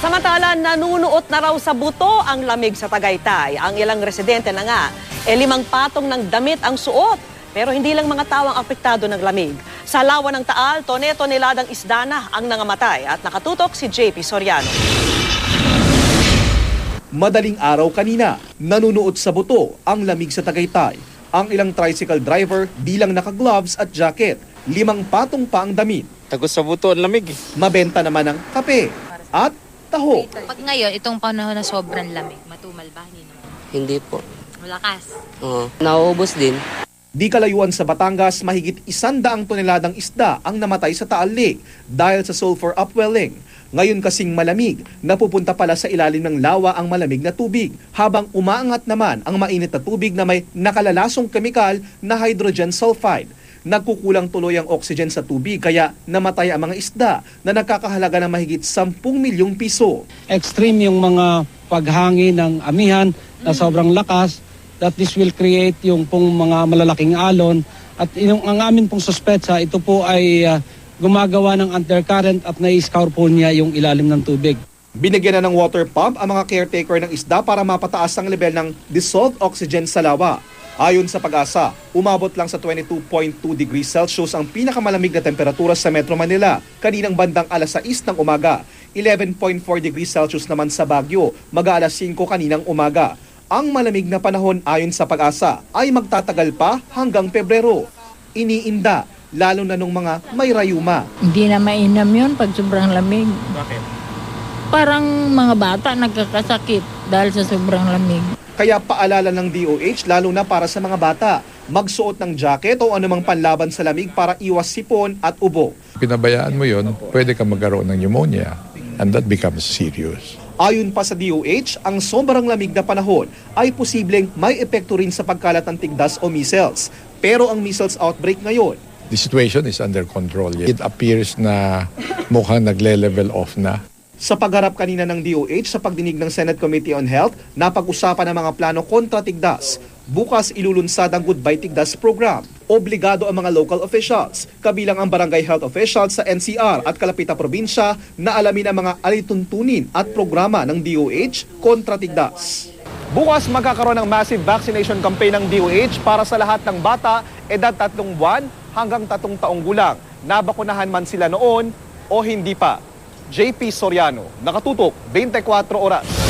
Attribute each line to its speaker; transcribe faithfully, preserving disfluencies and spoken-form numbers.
Speaker 1: Samantala, nanunuot na raw sa buto ang lamig sa Tagaytay. Ang ilang residente na nga, e limang patong ng damit ang suot. Pero hindi lang mga tao ang apektado ng lamig. Sa lawa ng Taal, tone-toneladang isda na ang nangamatay. At nakatutok si J P Soriano.
Speaker 2: Madaling araw kanina, nanunuot sa buto ang lamig sa Tagaytay. Ang ilang tricycle driver di lang naka-gloves at jacket. Limang patong pa ang damit.
Speaker 3: Tagos sa buto, ang lamig.
Speaker 2: Mabenta naman ang kape at taho.
Speaker 4: Pag ngayon, itong panahon na sobrang lamig, matumal ba? Hindi naman.
Speaker 5: Hindi po.
Speaker 4: Malakas.
Speaker 5: Oo. Nauubos din.
Speaker 2: Di kalayuan sa Batangas, mahigit isandaang toneladang isda ang namatay sa Taal Lake dahil sa sulfur upwelling. Ngayon kasing malamig, napupunta pala sa ilalim ng lawa ang malamig na tubig, habang umaangat naman ang mainit na tubig na may nakalalasong kemikal na hydrogen sulfide. Nagkukulang tuloy ang oxygen sa tubig kaya namatay ang mga isda na nagkakahalaga ng mahigit sampung milyong piso.
Speaker 6: Extreme yung mga paghangin ng amihan na sobrang lakas, that this will create yung pong mga malalaking alon. At yung, ang amin pong suspetsa, ito po ay uh, gumagawa ng undercurrent at nai-scour po niya yung ilalim ng tubig.
Speaker 2: Binigyan na ng water pump ang mga caretaker ng isda para mapataas ang level ng dissolved oxygen sa lawa. Ayon sa Pag-asa, umabot lang sa twenty-two point two degrees Celsius ang pinakamalamig na temperatura sa Metro Manila kaninang bandang alas sais ng umaga. eleven point four degrees Celsius naman sa Baguio, mag-aalas singko kaninang umaga. Ang malamig na panahon ayon sa Pag-asa ay magtatagal pa hanggang Pebrero. Iniinda, lalo na nung mga may rayuma.
Speaker 7: Hindi na mainam yun pag sobrang lamig.
Speaker 2: Bakit?
Speaker 7: Parang mga bata nagkakasakit dahil sa sobrang lamig.
Speaker 2: Kaya paalala ng D O H lalo na para sa mga bata, magsuot ng jacket o anumang panlaban sa lamig para iwas sipon at ubo.
Speaker 8: Pinabayaan mo yon, pwede ka magkaroon ng pneumonia and that becomes serious.
Speaker 2: Ayon pa sa D O H, ang sobrang lamig na panahon ay posibleng may epekto rin sa pagkalat ng tigdas o measles. Pero ang measles outbreak ngayon,
Speaker 8: The situation is under control. It appears na mukhang nagle-level off na.
Speaker 2: sa pagharap kanina ng D O H sa pagdinig ng Senate Committee on Health, napag-usapan ang mga plano kontra tigdas. Bukas ilulunsad ang Goodbye Tigdas program. Obligado ang mga local officials, kabilang ang barangay health officials sa N C R at kalapitang probinsya na alamin ang mga alituntunin at programa ng D O H kontra tigdas. Bukas magkakaroon ng massive vaccination campaign ng D O H para sa lahat ng bata edad tatlong buwan hanggang tatlong taong gulang. Nabakunahan man sila noon o hindi pa. J P Soriano, nakatutok, twenty-four oras.